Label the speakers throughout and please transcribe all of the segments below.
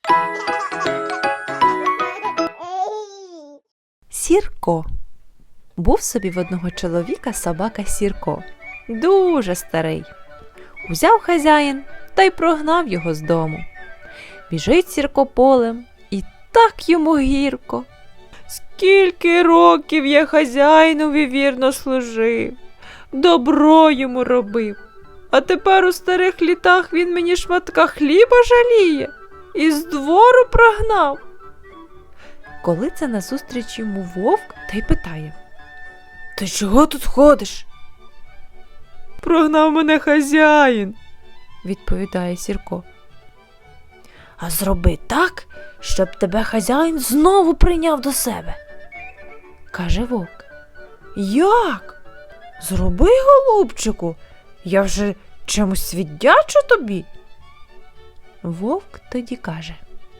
Speaker 1: Сірко. Був собі в одного чоловіка собака Сірко. Дуже старий. Узяв хазяїн та й прогнав його з дому. Біжить Сірко полем, і так йому гірко. Скільки років я хазяїнові вірно служив, добро йому робив, а тепер у старих літах він мені шматка хліба жаліє і з двору прогнав. Коли це назустріч йому вовк та й питає: «Ти чого тут ходиш?» «Прогнав мене хазяїн», – відповідає Сірко. «А зроби так, щоб тебе хазяїн знову прийняв до себе», – каже вовк. «Як? Зроби, голубчику, я вже чимось віддячу тобі». Вовк тоді каже: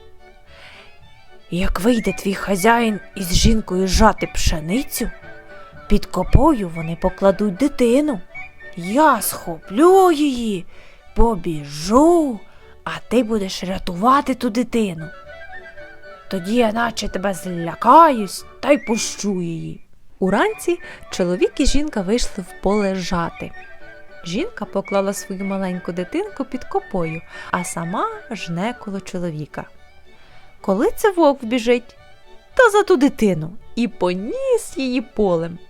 Speaker 1: «Як вийде твій хазяїн із жінкою жати пшеницю, під копою вони покладуть дитину. Я схоплю її, побіжу, а ти будеш рятувати ту дитину. Тоді я наче тебе злякаюсь та й пущу її». Уранці чоловік і жінка вийшли в поле жати. Жінка поклала свою маленьку дитинку під копою, а сама жне коло чоловіка. Коли це вовк біжить, та за ту дитину і поніс її полем.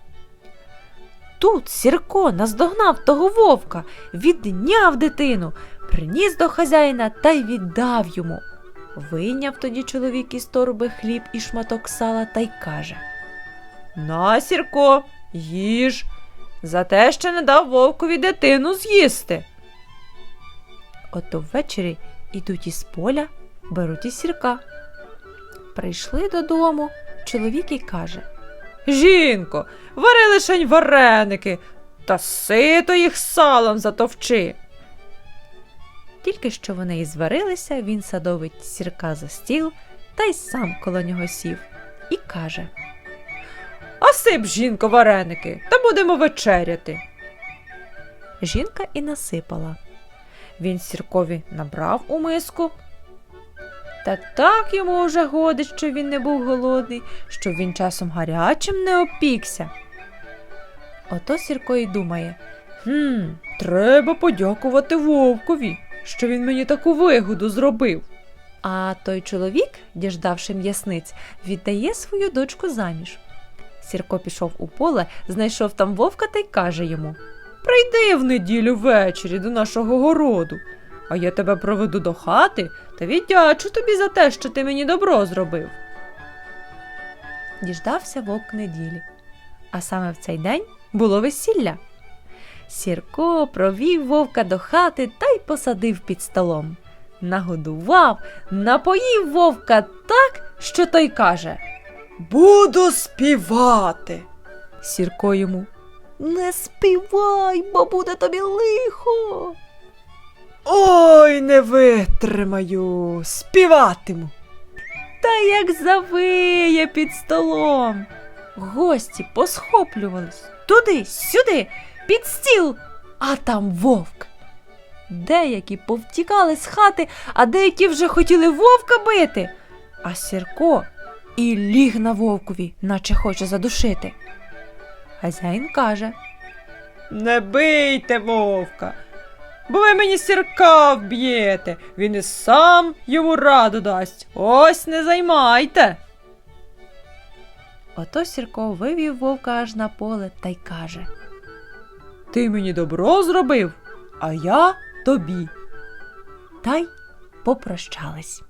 Speaker 1: Тут Сірко наздогнав того вовка, відняв дитину, приніс до хазяїна та й віддав йому. Вийняв тоді чоловік із торби хліб і шматок сала та й каже: «На, Сірко, їж, за те, що не дав вовкові дитину з'їсти». Ото ввечері ідуть із поля, беруть і Сірка. Прийшли додому, чоловік і каже: «Жінко, вари лишень вареники, та сито їх салом затовчи». Тільки що вони і зварилися, він садовить Сірка за стіл та й сам коло нього сів і каже: «А сип, жінко, вареники, та будемо вечеряти». Жінка і насипала. Він Сіркові набрав у миску. Та так йому уже годить, що він не був голодний, що він часом гарячим не опікся. Ото Сірко й думає: треба подякувати вовкові, що він мені таку вигоду зробив. А той чоловік, діждавши м'ясниць, віддає свою дочку заміж. Сірко пішов у поле, знайшов там вовка та й каже йому: «Прийди в неділю ввечері до нашого городу, а я тебе проведу до хати та віддячу тобі за те, що ти мені добро зробив». Діждався вовк неділі, а саме в цей день було весілля. Сірко провів вовка до хати та й посадив під столом. Нагодував, напоїв вовка так, що той каже: «Буду співати». Сірко йому: «Не співай, бо буде тобі лихо». «Ой, не витримаю, співатиму». Та як завиє під столом. Гості посхоплювались туди-сюди, під стіл, а там вовк. Деякі повтікали з хати, а деякі вже хотіли вовка бити. А Сірко і ліг на вовкові, наче хоче задушити. Хазяїн каже: «Не бийте вовка, бо ви мені Сірка вб'єте, він і сам йому раду дасть, ось не займайте». Ото Сірко вивів вовка аж на поле та й каже: «Ти мені добро зробив, а я тобі». Та й попрощались.